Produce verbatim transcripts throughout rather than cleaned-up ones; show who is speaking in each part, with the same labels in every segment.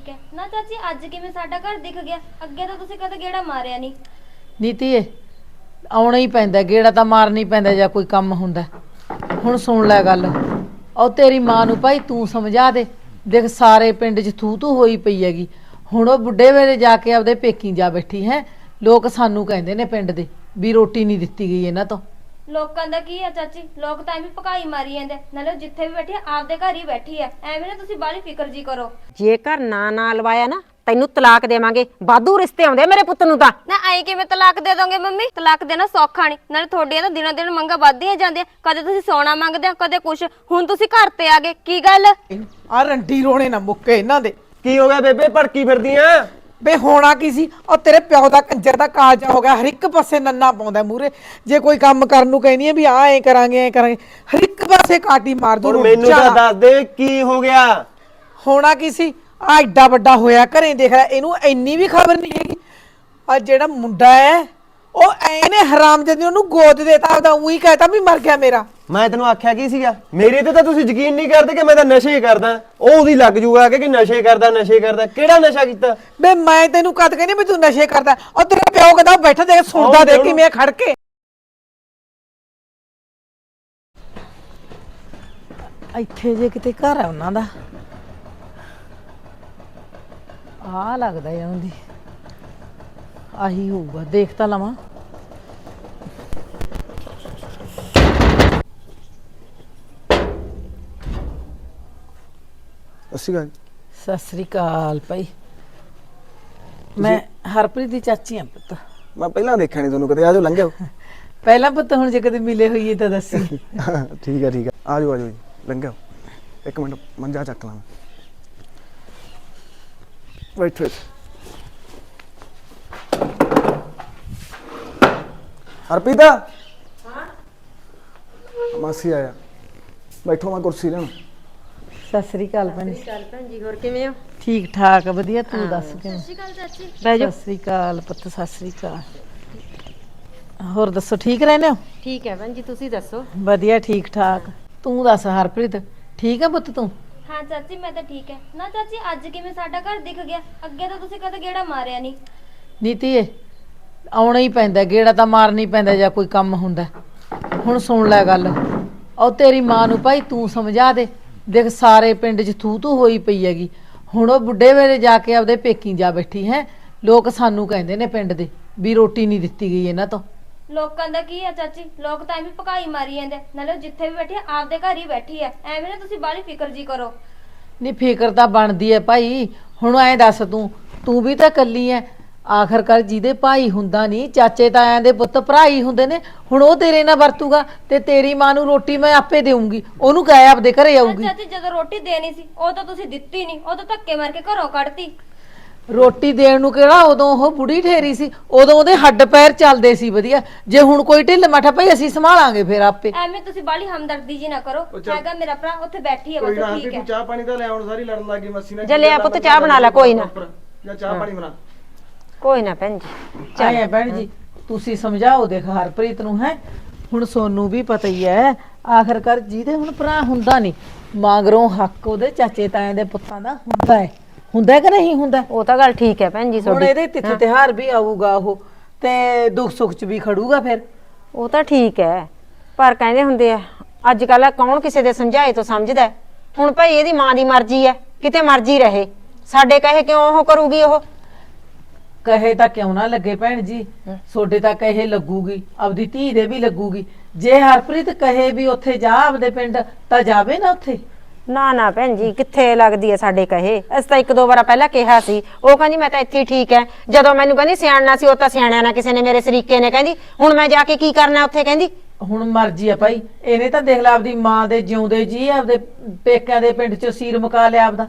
Speaker 1: है ना चाची। अज किवें साडा घर दिख गया? अगे तो तुसीं कदे गेड़ा मारिया नहीं।
Speaker 2: नीतीए आउणा ही पैंदा, गेड़ा तां मारना ही पैंदा जे कोई काम हुंदा। हुण सुण लै गल, और तेरी मां नूं भाई तूं समझा दे। देख सारे पिंड च थू तू होई पई हैगी। हुण ओह बुढ़े वेले जाके आपदे पेकी जा बैठी है। लोक सानू कहंदे ने पिंड दे भी रोटी नहीं दित्ती गई इन्हां तों।
Speaker 1: लोकां दा की है चाची, लोग तां भी भकाई मारी जांदे, नाले जिथे भी बैठी है आपदे घर ही बैठी है। एवें ना तुसीं बाली फिकर जी करो।
Speaker 3: जे घर ना ना लवाया ना तैनू तलाक देवांगे। वाधू रिश्ते आउंदे मेरे पुੱਤ ਨੂੰ ਤਾਂ।
Speaker 1: ना आई किवें तलाक दे दोगे मम्मी? तलाक देना सौखा नहीं, नाले थोड़ियां तां दिनों दिन मंगां वधदियां जांदियां। कदे तुसीं सोना मंगदे हो, कदे कुछ। हुण तुसीं घर ते आ गए, की गल?
Speaker 4: आ रंडी रोने ना मुक्के इन्हां दे।
Speaker 5: की हो गया बेबे, भड़की फिरदियां?
Speaker 4: बे होना की सी, और तेरे प्यो दा कंजर दा कालजा हो गया। हर एक पासे नन्ना पाउंदा मूरे। जे कोई काम करन नूं कहनी है भी आ ऐ करांगे ऐ करांगे, हर एक पासे काटी मार दू।
Speaker 5: हुण मैनू तां दस दे की हो गया?
Speaker 4: होना की सी, आ एड्डा वड्डा होया घरें देख रहा, इनू इन्नी भी खबर नहीं हैगी। आ जेड़ा मुंडा है ਉਹ ਐਨੇ ਹਰਾਮਜ਼ਾਦੇ ਉਹਨੂੰ ਗੋਦ ਦੇਤਾ, ਆਪਦਾ ਉਹੀ ਕਹਤਾ ਵੀ ਮਰ ਗਿਆ ਮੇਰਾ।
Speaker 5: ਮੈਂ ਤੈਨੂੰ ਆਖਿਆ ਕੀ ਸੀਗਾ? ਮੇਰੇ ਤੇ ਤਾਂ ਤੁਸੀਂ ਯਕੀਨ ਨਹੀਂ ਕਰਦੇ ਕਿ ਮੈਂ ਤਾਂ ਨਸ਼ੇ ਕਰਦਾ। ਉਹ ਉਹਦੀ ਲੱਗ ਜੂਗਾ ਕਿ ਨਸ਼ੇ ਕਰਦਾ ਨਸ਼ੇ ਕਰਦਾ। ਕਿਹੜਾ ਨਸ਼ਾ ਕੀਤਾ?
Speaker 4: ਬੇ ਮੈਂ ਤੈਨੂੰ ਕਦ ਕਹਿੰਦੀ ਵੀ ਤੂੰ ਨਸ਼ੇ ਕਰਦਾ? ਉਹ ਤੇਰਾ ਪਿਓ ਕਹਿੰਦਾ ਬੈਠਾ ਦੇਖ ਸੁਣਦਾ ਦੇਖ ਕਿਵੇਂ ਖੜ ਕੇ।
Speaker 2: ਇੱਥੇ ਜੇ ਕਿਤੇ ਘਰ ਆ ਉਹਨਾਂ ਦਾ, ਆ ਲੱਗਦਾ ਇਹਨਾਂ ਦੀ ਆਹੀ ਹੋਊਗਾ। ਦੇਖ ਤਾਂ ਲਵਾਂ।
Speaker 6: अस्सी गल
Speaker 2: ਸਤਿ ਸ੍ਰੀ ਅਕਾਲ ਭਾਈ। ਮੈਂ ਹਰਪ੍ਰੀਤ ਦੀ ਚਾਚੀ ਆ ਪੁੱਤ।
Speaker 6: मैं पहला देखा नहीं तुहानू कदे। आ जाओ लंघ जाओ।
Speaker 2: ਪਹਿਲਾਂ ਪੁੱਤ ਹੁਣ ਜੇ ਕਦੇ ਮਿਲੇ ਹੋਈਏ ਤਾਂ ਦੱਸੀ।
Speaker 6: ठीक है ठीक है, आ जाओ आ जाओ जी, लंघ जाओ। एक मिनट मंजा चक ला। बैठो हरप्रीत। हाँ मासी आया, बैठो मैं कुर्सी लेना।
Speaker 2: ਸਤਿ ਸ੍ਰੀ ਅਕਾਲ ਭੈਣ।
Speaker 3: ਚੱਲ ਭੈਣ ਜੀ, ਹੋਰ ਕਿਵੇਂ ਹੋ?
Speaker 2: ਠੀਕ ਠਾਕ ਵਧੀਆ, ਤੂੰ ਦੱਸ ਕਿਵੇਂ?
Speaker 1: ਸਤਿ ਸ਼੍ਰੀ ਅਕਾਲ ਚਾਚੀ।
Speaker 3: ਬਹਿ ਜਾ।
Speaker 2: ਸਤਿ ਸ੍ਰੀ ਅਕਾਲ ਪੁੱਤ, ਸਤਿ ਸ੍ਰੀ ਅਕਾਲ। ਹੋਰ ਦੱਸੋ ਠੀਕ ਰਹਿੰਦੇ ਹੋ?
Speaker 3: ਠੀਕ ਹੈ ਭੈਣ ਜੀ, ਤੁਸੀਂ ਦੱਸੋ?
Speaker 2: ਵਧੀਆ ਠੀਕ ਠਾਕ। ਤੂੰ ਦੱਸ ਹਰਪ੍ਰੀਤ ਠੀਕ ਹੈ ਪੁੱਤ ਤੂੰ?
Speaker 1: हाँ चाची मैं तो ठीक है ना चाची। अज किवें साडा घर दिख गया? अगे तो तुसीं कदे गेड़ा मारिया नहीं।
Speaker 2: ਨੀਤੀਏ ਆਉਣਾ ਹੀ ਪੈਂਦਾ, ਗੇੜਾ ਤਾਂ ਮਾਰਨਾ ਹੀ ਪੈਂਦਾ ਜਾਂ ਕੋਈ ਕੰਮ ਹੁੰਦਾ। ਹੁਣ ਸੁਣ ਲੈ ਗੱਲ, ਉਹ ਤੇਰੀ ਮਾਂ ਨੂੰ ਭਾਈ ਤੂੰ ਸਮਝਾ ਦੇ। ਦੇਖ ਸਾਰੇ ਪਿੰਡ 'ਚ ਥੂ ਤੂ ਹੋਈ ਪਈ ਹੈਗੀ। ਹੁਣ ਉਹ ਬੁੱਢੇ ਵੇਲੇ ਜਾ ਕੇ ਆਪਦੇ ਪੇਕੀ ਜਾ ਬੈਠੀ ਹੈ। ਲੋਕ ਸਾਨੂੰ ਕਹਿੰਦੇ ਨੇ ਪਿੰਡ ਦੇ ਵੀ ਰੋਟੀ ਨਹੀਂ ਦਿੱਤੀ ਗਈ ਇਹਨਾਂ ਤੋਂ।
Speaker 1: लोकां दा की है चाची, लोग तां भी भकाई मारी जांदे, नाले जिथे भी बैठी है आपदे घर ही बैठी है। एवें ना तुसीं बाली फिकर जी करो।
Speaker 2: नहीं फिक्र ਤਾਂ ਬਣਦੀ ਹੈ ਭਾਈ। ਹੁਣ ਐਂ ਦੱਸ ਤੂੰ ਤੂੰ ਵੀ ਤਾਂ ਕੱਲੀ ਐ। ਆਖਰਕਾਰ ਜਿਹਦੇ ਭਾਈ ਹੁੰਦਾ ਨਹੀਂ, ਚਾਚੇ ਤਾਇਆਂ ਦੇ ਪੁੱਤ ਭਰਾ ਹੀ ਹੁੰਦੇ ਨੇ। ਹੁਣ ਉਹ ਤੇਰੇ ਨਾਲ ਵਰਤੂਗਾ ਤੇ ਤੇਰੀ ਮਾਂ ਨੂੰ ਰੋਟੀ ਮੈਂ ਆਪੇ ਦੇਵਾਂਗੀ। ਉਹਨੂੰ ਕਹਿ ਆਪਦੇ ਘਰੇ ਆਊਗੀ।
Speaker 1: ਚਾਚੀ ਜਦੋਂ ਰੋਟੀ ਦੇਣੀ ਸੀ ਉਹ ਤਾਂ ਤੁਸੀਂ ਦਿੱਤੀ ਨਹੀਂ, ਉਹ ਤਾਂ ਧੱਕੇ ਮਾਰ ਕੇ ਘਰੋਂ ਕੱਢਤੀ।
Speaker 2: ਰੋਟੀ ਦੇਣ ਨੂੰ ਕਿਹੜਾ ਉਦੋਂ ਉਹ ਬੁੜੀ ਠੇਰੀ ਸੀ? ਉਦੋਂ ਉਹਦੇ ਹੱਡ ਪੈਰ ਚੱਲਦੇ ਸੀ ਵਧੀਆ। ਜੇ ਹੁਣ ਕੋਈ ਢਿੱਲ ਮੱਠਾ ਭਾਈ ਅਸੀਂ ਸੰਭਾਲਾਂਗੇ ਫਿਰ ਆਪੇ।
Speaker 1: ਐਵੇਂ ਤੁਸੀਂ ਬਾਲੀ ਹਮਦਰਦੀ ਜੀ ਨਾ ਕਰੋ। ਹੈਗਾ ਮੇਰਾ ਭਰਾ ਉੱਥੇ ਬੈਠੀ ਹੈ, ਬਸ ਠੀਕ ਹੈ।
Speaker 6: ਚਾਹ ਪਾਣੀ ਤਾਂ ਲੈ ਆਉਣ, ਸਾਰੀ ਲੜਨ ਲੱਗੀ ਮੱਸੀ ਨਾਲ।
Speaker 3: ਜੇ ਲਿਆ ਪੁੱਤ ਚਾਹ ਬਣਾ ਲੈ, ਕੋਈ ਨਾ।
Speaker 6: ਜਾਂ ਚਾਹ ਪਾਣੀ ਬਣਾ।
Speaker 3: ਕੋਈ ਨਾ ਭੈਣ ਜੀ।
Speaker 2: ਆਏ ਭੈਣ ਜੀ ਤੁਸੀਂ ਸਮਝਾਓ ਦੇਖ ਹਰਪ੍ਰੀਤ ਨੂੰ। ਹੈ ਹੁਣ ਸੋਨੂੰ ਵੀ ਪਤਾ ਹੀ ਹੈ, ਆਖਰਕਾਰ ਜਿਹਦੇ ਹੁਣ ਭਰਾ ਹੁੰਦਾ ਨਹੀਂ, ਮਗਰੋਂ ਹੱਕ ਉਹਦੇ ਚਾਚੇ ਤਾਇਆਂ ਦੇ ਪੁੱਤਾਂ ਦਾ ਹੁੰਦਾ ਹੈ। ਹੁੰਦਾ ਕਿ ਨਹੀਂ ਹੁੰਦਾ?
Speaker 3: ਉਹ ਤਾਂ ਗੱਲ ਠੀਕ ਹੈ ਭੈਣ ਜੀ
Speaker 2: ਹੁਣ
Speaker 3: ਤੁਹਾਡੀ।
Speaker 2: ਇਹਦੇ ਤਿੱਥ ਤਿਉਹਾਰ ਵੀ ਆਊਗਾ ਉਹ, ਤੇ ਦੁੱਖ ਸੁੱਖ 'ਚ ਵੀ ਖੜੂਗਾ ਫਿਰ।
Speaker 3: ਉਹ ਤਾਂ ਠੀਕ ਹੈ, ਪਰ ਕਹਿੰਦੇ ਹੁੰਦੇ ਆ ਅੱਜ ਕੱਲ ਕੌਣ ਕਿਸੇ ਦੇ ਸਮਝਾਏ ਤੋਂ ਸਮਝਦਾ ਹੈ। ਹੁਣ ਭਾਈ ਇਹਦੀ ਮਾਂ ਦੀ ਮਰਜ਼ੀ ਹੈ, ਕਿਤੇ ਮਰਜ਼ੀ ਰਹੇ। ਸਾਡੇ ਕਹੇ ਕਿਉਂ ਉਹ ਕਰੂਗੀ? ਉਹ
Speaker 2: ਕਹੇ ਤਾਂ ਕਿਉਂ ਨਾ ਲੱਗੇ ਭੈਣ ਜੀ, ਤੁਹਾਡੇ ਤਾਂ ਕਹੇ ਲੱਗੂਗੀ, ਆਪਦੀ ਧੀ ਦੇ ਵੀ ਲੱਗੂਗੀ। ਜੇ ਹਰਪ੍ਰੀਤ ਕਹੇ ਵੀ ਉੱਥੇ ਜਾ ਆਪਦੇ ਪਿੰਡ, ਤਾਂ ਜਾਵੇ ਨਾ ਉੱਥੇ।
Speaker 3: ਨਾ ਨਾ ਭੈਣ ਜੀ ਕਿੱਥੇ ਲੱਗਦੀ ਹੈ ਸਾਡੇ ਕਹੇ। ਅਸੀਂ ਤਾਂ ਇੱਕ ਦੋ ਵਾਰ ਪਹਿਲਾਂ ਕਿਹਾ ਸੀ, ਉਹ ਕਹਿੰਦੀ ਮੈਂ ਤਾਂ ਇੱਥੇ ਠੀਕ ਹੈ। ਜਦੋਂ ਮੈਨੂੰ ਕਹਿੰਦੀ ਸਿਆਣਨਾ ਸੀ, ਉਹ ਤਾਂ ਸਿਆਣਿਆ ਨਾ ਕਿਸੇ ਨੇ, ਮੇਰੇ ਸਰੀਕੇ ਨੇ। ਕਹਿੰਦੀ ਹੁਣ ਮੈਂ ਜਾ ਕੇ ਕੀ ਕਰਨਾ ਉੱਥੇ? ਕਹਿੰਦੀ
Speaker 2: ਹੁਣ ਮਰਜ਼ੀ ਆ ਭਾਈ। ਇਹਨੇ ਤਾਂ ਦੇਖ ਲਾ ਆਪਦੀ ਮਾਂ ਦੇ ਜਿਉਂਦੇ ਜੀ ਆਪਦੇ ਪੇਕਿਆਂ ਦੇ ਪਿੰਡ 'ਚ ਸੀਰ ਮੁਕਾ ਲਿਆ ਆਪਦਾ।